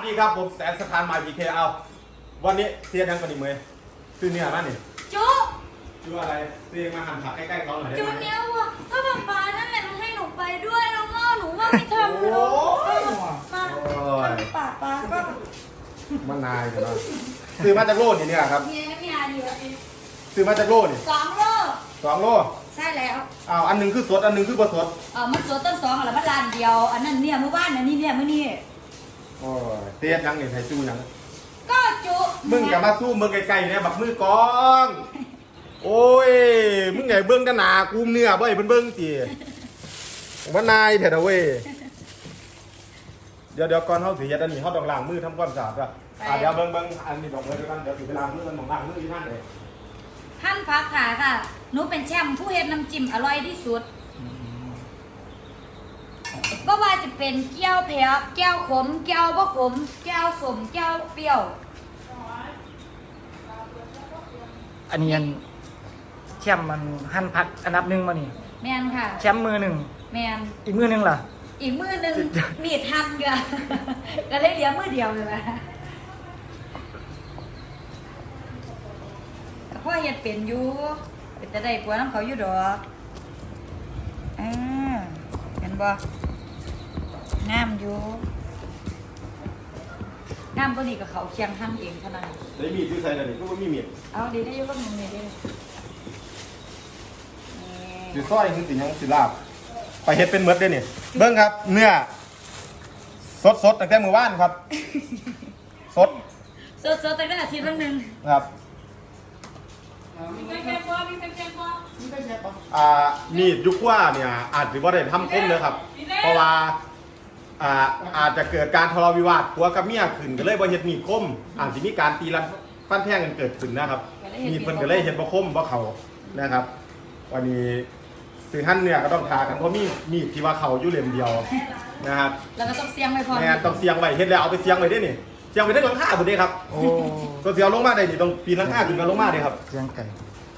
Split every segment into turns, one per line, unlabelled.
ดีครับผมแสนสถานมาพีเคเอาวันนี้เสียดังกันอีกไหมซื้อเนี่ยมานี่
จุ
ชื่ออะไรเรียกมาหั่นผักใกล้ๆเขาหน่อยได้ไหม
จุเนี้ยว่ะก็แบบปลานั่นแหละมันให้หนูไปด้วยแล้วก็หนูว่าไม่ทำเลยมาปลาก็
มันนายเดี๋ยวนะซื้อมาจากโลนี่เนี่ยครับ
เนี่ยดีวะ
ซื้อมาจากโลนี่
2 โลใช่แล้ว
อันหนึ่งคือสดอันหนึ่งคือบดสด
มันสดต้น2อะไรมันร้านเดียวอันนั้นเนี่ยเมื่อวานอันนี้เนี่ยเมื่อนี้
โอ้ยเตี้ยยังเนี่ยไทยจูยัง
ก็จุ
มึงอย่ามาสู้มึงไกลๆเนี่ยบักมือกองโอ้ยมึงไงเบิ้งด้านหนากูเนื้อบ่อยเบิ้งจีว่านายเถอะเว้ยเดี๋ยวก่อนเขาเสียดันนี่เขาต้องล้างมือทำความสะอาดอะเดี๋ยวเบิ้งอันนี้บอกเลยกันเดี๋ยวถึงเวลามือมันต้องล้างมือที่นั่นเลย
หั่นผักขาค่ะหนูเป็นแชมป์ผู้เฮ็ดน้ำจิ้มอร่อยที่สุดก็ว่าจะเป็นแก้วเผ็ดแก้วขมแก้วบ่ขมแก้วสมแก้วเปรี้ยว
อันนี้แชมป์มันหั่นผักอันดับ1มานี่
แมนค่ะ
แชมป์มือ1
แมน
อีกมือ1ล่ะ
อีกมือนึงมีดหั่นก็ก็เลยเหลือมือเดียวเลยนะพ่อเฮ็ดเป็นอยู่เป็นจะได้กลัวน้ำเขาอยู่ดอกเห็นบ่งามอยู่งามตัวนี้กับเขาเคียงหั่นเองเท่านั้น
ได้มีดที่ใส่เลยนี่ก็ไม่มีมีด
เอาดีได้ยุ่งกับมึงนี่ดิ
สีสร้อยคือสียังสีลาบไปเฮ็ดเป็นเมดได้นี่เบิ้งครับเนื้อสดตั้งแต่มื้อวานครับสด
ตั้งแต่อาทิตย์ละนึง
ครับมีดยุคว่าเนี่ยอาจจะว่าได้ทำคมเลยครับเพราะว่าอาจจะเกิดการทะเลาะวิวาทผัวกับเมียขึ้นก็เลยบ่เฮ็ดมีดคมอาจจะมีการตีรันฟันแทงกันเกิดขึ้นนะครับมีดเพิ่นก็เลยเฮ็ดบ่คมบ่เข้านะครับวันนี้สื่อท่านเนี่ยก็ต้องทากันเพราะมีดที่ว่าเข้าอยู่เล่มเดียวนะครับ
แล้วก็ต้องเสียงไว้พอ
แม่ต้องเสียงไว้เฮ็ดแล้วเอาไปเสียงไว้ได้นี่เสียงไว้ได้หลังคาพุ่นเด้ครับโอ้ตัวเสียงลงมาได้นี่ต้องปีนหลังคาขึ้นมาลงมาเด้ครับ
เสียงไก่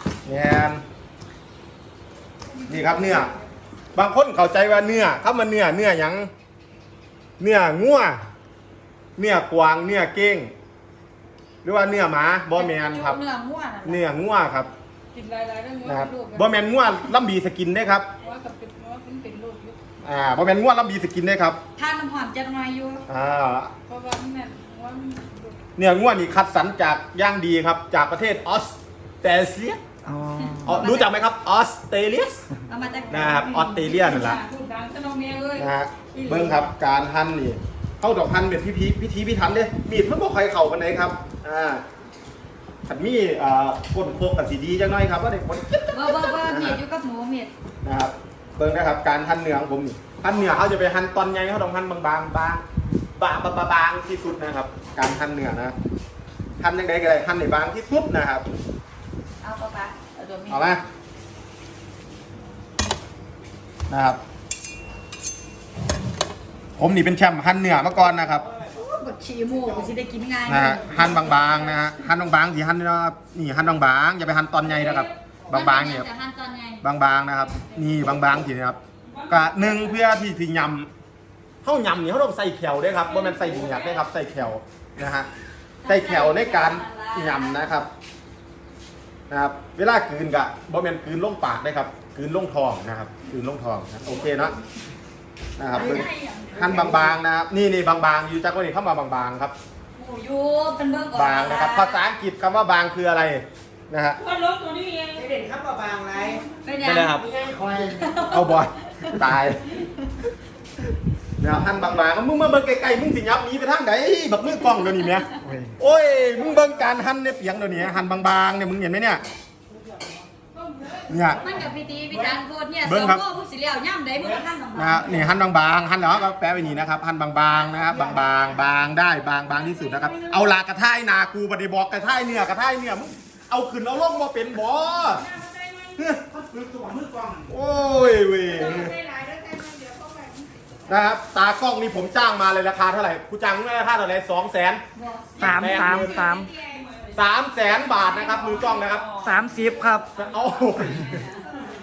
นี่ครับเนื้อบางคนเข้าใจว่าเนื้อครับมันเนื้อหยังเนื้องัวเนื้อกวางเนื้อเก้งหรือว่าเนื้อหมาบอแมนครับ
เนื้อ
งัวครับ
กินหลายๆได้งัว
นะครับบอแมนงัวลำบีสกินได้ครับ
ว่ากับเป็นงัวเป็นลูกอยู่
บอแมนงัวลำบีสกินได้ครับ
ทานน้ำหอมจะน้อยอยู่
เพราะว่าเนี่ย
เนื้องัวนี่คัดสรรจากย่างดีครับจากประเทศออสเตรเลียรู้จักไหมครับออสเตรเลียนะครับออสเตรเลียนั่นแหละนะฮะเบิ้งครับการหั่นนี่เข้าดอกหั่นเป็นพิธีพิถันเด้มีดมันบ่ใครเข่ากันไหนครับขันมีก้นโคกกันสีดีจังหน่อยครับว่าเด็กคน
บ่มีดอยู่กับหมูมีด
นะครับเบิ้งนะครับการหั่นเนื้อของผมนี่หั่นเนื้อเขาจะไปหั่นตอนใหญ่เขาต้องหั่นบางที่สุดนะครับการหั่นเนื้อนะหั่นยังไงก็ได้หั่นในบางที่สุดนะครับเอาไหมนะครับผมนี่เป็นแชมป์หั่นเนื้อมาก่อนนะครับ
บดชีหมูกูสิได้กินง่าย
นะฮะหั่นบางๆนะฮะหั่นบางๆที่หั่นนะครับนี่หั่นบางๆอย่าไปหั่นตอนใหญ่นะครับบางๆเนี่ยบางๆนะครับนี่บางๆทีนะครับกะหนึ่งเพื่อที่ยำเข้ายำนี่เขาต้องใส่แขวด้วยครับเพราะมันใส่บุญหยักด้วยครับใส่แขวนะฮะใส่แขวในการยำนะครับเวลากลืนกะบ่แม่นกลืนลงปากได้ครับกลืนลงท้องนะครับกลืนลงท้องนะโอเคเนาะนะครับหั่นบางๆนะครับนี่บางๆอยู่จักว่านี่เข้ามาบางๆครับ
หมูยูเป็นเบื้องก่อน
บางนะครับภาษาอังกฤษคำว่าบางคืออะไรนะฮะ
ว่าลบตัวนี้เอง
ไม่เด่นครับว่าบางไร
ไม่ได้ครับเอาบอยตายเนี่ยหั่นบางๆมึงมาเบิ่งไกลๆมึงสิยับหนีไปทางไหนบักมือกล้องเดี๋ยวนี้เนี่ยโอ้ยมึงเบิ่งการหั่นเนี่ยเปียงเดี๋ยวนี้หั่นบางๆเนี่ยมึงเห็นไหมเนี่ย
มันกับพิจารณ์โคตรเนี่ยสองโม่ผู้สิเลี้ยวย่ำได้บุญท่านบาง
นะนี่หั่นบางๆหั่นแล้วก็แปะไว้นี่นะครับหั่นบางๆนะครับบางๆได้บางที่สุดนะครับเอาลากระท่ายนากูบ่ได้บอกกระท่ายเนี่ยมึงเอาขึ้นเอาลงมาเป็นบ่โอ้ยเว้ยนะครับตากล้องนี่ผมจ้างมาเลยราคาเท่าไหร่กูจ้างราคาเท่าไหร่300,000 บาทนะครับมือกล้องนะครับ
30ครับ
โอ้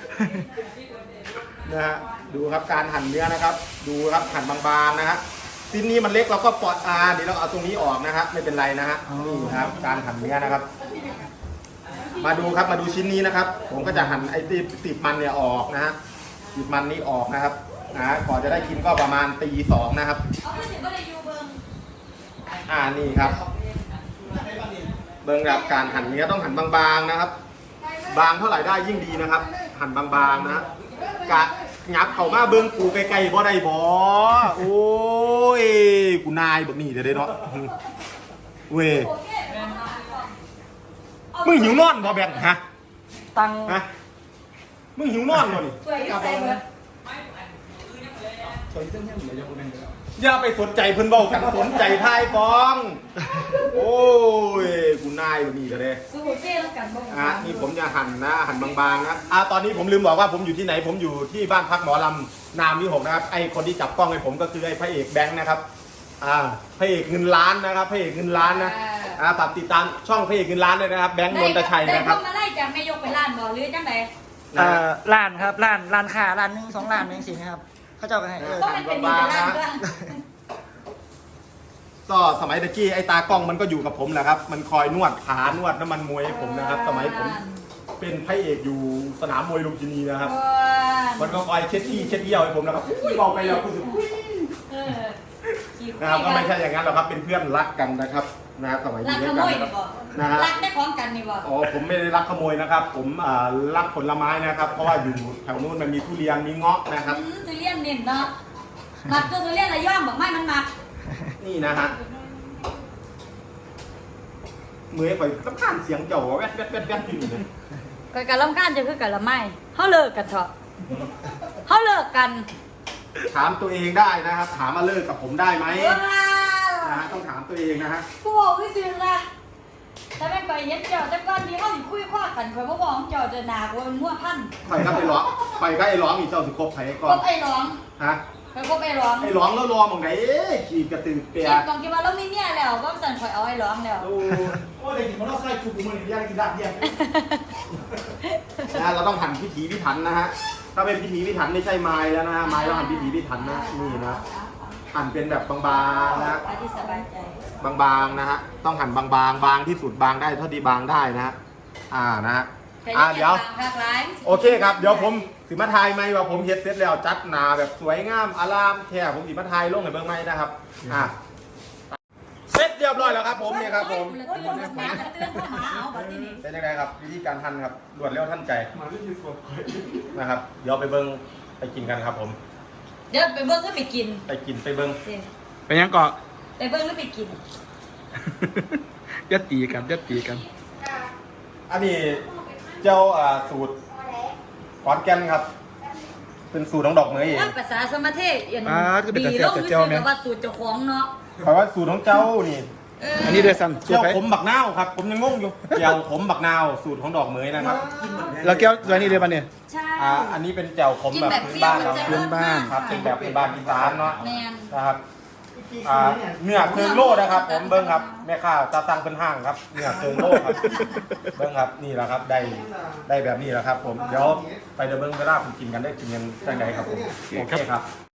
นะฮะดูครับการหั่นเนื้อนะครับดูครับหั่นบางๆนะครับชิ้นนี้มันเล็กเราก็ปอดเดี๋ยวเราเอาตรงนี้ออกนะครับไม่เป็นไรนะฮะนี่ครับการหั่นเนื้อนะครับ มาดูครับมาดูชิ้นนี้นะครับ ผมก็จะหั่นไอ้ที่ติดมันเนี่ยออกนะฮะติดมันนี้ออกนะครับก่อนจะได้กินก็ประมาณตี 2นะครับ
เอาไปถึงก็เลยยูเบิง
นี่ครับ เบิ่งแบบการหั่นเนื้อต้องหั่นบางๆนะครับ บางเท่าไหร่ได้ยิ่งดีนะครับ หั่นบางๆนะฮะกะงับเข้ามาเบิ่งกูไกลๆบ่ได้บ่โอ้ยกูนายแบบนี้เด้เนาะเว้ยมึงหิวนอนบ่แบงฮะ
ตัง
ฮะมึงหิวนอนบ่นี่
สวยที่ใส่เบิร์ด
อย่าไปสนใจเพิ่นเว้ากันสนใจทายฟองโอ้ยกูนายแบบนี้ก็ได้
สูเจ้แล้วกันบ้าง
นี่ผมจะหั่นนะหั่นบางๆนะตอนนี้ผมลืมบอกว่าผมอยู่ที่ไหนผมอยู่ที่บ้านพักหมอลำนามที่6นะครับไอคนที่จับกล้องให้ผมก็คือไอพระเอกแบงค์นะครับพระเอกเงินล้านนะครับพระเอกเงินล้านนะฝากติดตามช่องพระเอกเงินล้านเลยนะครับแบงค์นนทชัยนะครับ
ได้มาไล่จากแม่ยกไปล้านบ่หรือจังได
ร้านครับร้านค้าร้านหนึง2 ร้านเองสินะครับเขาเจ้ากันให้
ต้องเป็นดีไปล้านก็
ก็สมัยตะกี้ไอ้ตากล้องมันก็อยู่กับผมแหละครับ มันคอยนวดขานวดน้ำมันมวยให้ผมนะครับ สมัยผมเป็นพระเอกอยู่สนามมวยลุมพินีนะครับ มันก็คอยเช็ดขี้เช็ดเยี่ยวให้ผมนะครับบอกไปแล้วคุณสุนะครับก็ไม่ใช่อย่างนั้นหรอกครับเป็นเพื่อนรักกันนะครับสมัยอยู่ด้วยกันนะครับ
รักได้พร้อมกันนี่บ่
ผมไม่ได้รักขโมยนะครับ ผมรักผลไม้นะครับ เพราะว่าอยู่แถวนู้นมันมีทุเรียนมีเงาะนะครับ
ทุเรียนเน้นเนาะมักตัวทุเรียนระย่อมบอกไม่มันมัก
นี่นะฮะมือไปต้องข้านเสียงเจ้าแวดแวดแวดแวดอยู่เลย
กันลำก้านจะคือกันละไม่เขาเลิกกันเถอะเขาเลิกกัน
ถามตัวเองได้นะครับ ถามมาเลิกกับผมได้ไหมนะต้องถามตัวเองนะฮะ
กูบอกพี่ซิงละถ้าไม่ไปเย็ดเจ้าแต่ก้อนนี้เขาถึงคุยคว้ากันคอยมาบอกเจ้าจะหนากูมั่วพัน
ไปก็ไอ้ร้องไปก็ไอ้ร้องอีกเจ้าสิคบไผก่อ
ก็
น
ไอ้ร้อง
ฮะ
ไปก็ไอ้ร้อง
ไอ้ร้องแล้วรอมองไหนขี่กระตือเปีย
คิดตรงคิดว่าเราไม่เนี่ยแล้วก็สั่นคอยเอาไอ้ร้องแล้ว
โอ้ยกินมันต้องใส่ชุดมือหนึ่งย่างกินลาบเยี่ยมนะเราต้องหั่นพิถีพิถันนะฮะถ้าเป็นพิถีพิถันไม่ใช่ไม้แล้วนะไม้เราหั่นพิถีพิถันนะนี่นะหั่นเป็นแบบบางๆนะ
อาที่สบายใจ
บางๆนะฮะต้องหั่นบางๆบางที่สุดบางได้เท่าที่บางได้นะฮะนะฮะเดี๋ยวโอเคครับเดี๋ยวผมสิมาทายไหมว่าผมเฮ็ดเสร็จแล้วจัดหนาแบบสวยงามอารามแค่ผมสิมาทายลงในเบื้องไม้นะครับเสร็จเรียบร้อยแล้วครับผมเนี่ยครับผมเป็นยังไงครับวิธีการหั่นครับรวดเร็วทันใจนะครับเดี๋ยวไปเบิ้งไปกินกันครับผม
เดี๋ยวไปเบิ้งก็ไปกิน
ไปกินไปเบิ้ง
ไปยังเกาะ
ไปเบิ้งแล้วไปกิน
ยัดตีกัน
อันนี้เจ้าสูตรขอนแก่นครับ เป็นสูตรของดอกเหมยเอง
ภาษาสมาเทศดีลงคือกับว่าสูตรเจ้าของเนาะ
เพราะว่าสูตรของเจ้านี่
อันนี้เดือดสั่น
เจ้าขมบักนาวครับ ผมยังงงอยู่เจ้าขมบักนาวสูตรของดอกเหมยนะครับ
เราแก้วตัวนี้เลยป่ะเนี่ย
ใช่
อันนี้เป็นแจ่วขมแบบพื้นบ้านเรา
พื้นบ้าน
ครับเป็นแบบพื้นบ้านอีสานเนาะ
แมน
นะครับเนื้อเคืองโลนะครับ ผมเบิ้งครับแม่ค้าตาสั่งเป็นห้างครับเนื้อเคืองโลครับเบิ้งครับนี่แหละครับได้แบบนี้แหละครับ ผมเดี๋ยวไปเดี๋ยวเบิ้งเวลาผมกินกันได้กินกันได้ไงครับผมโอเคครับ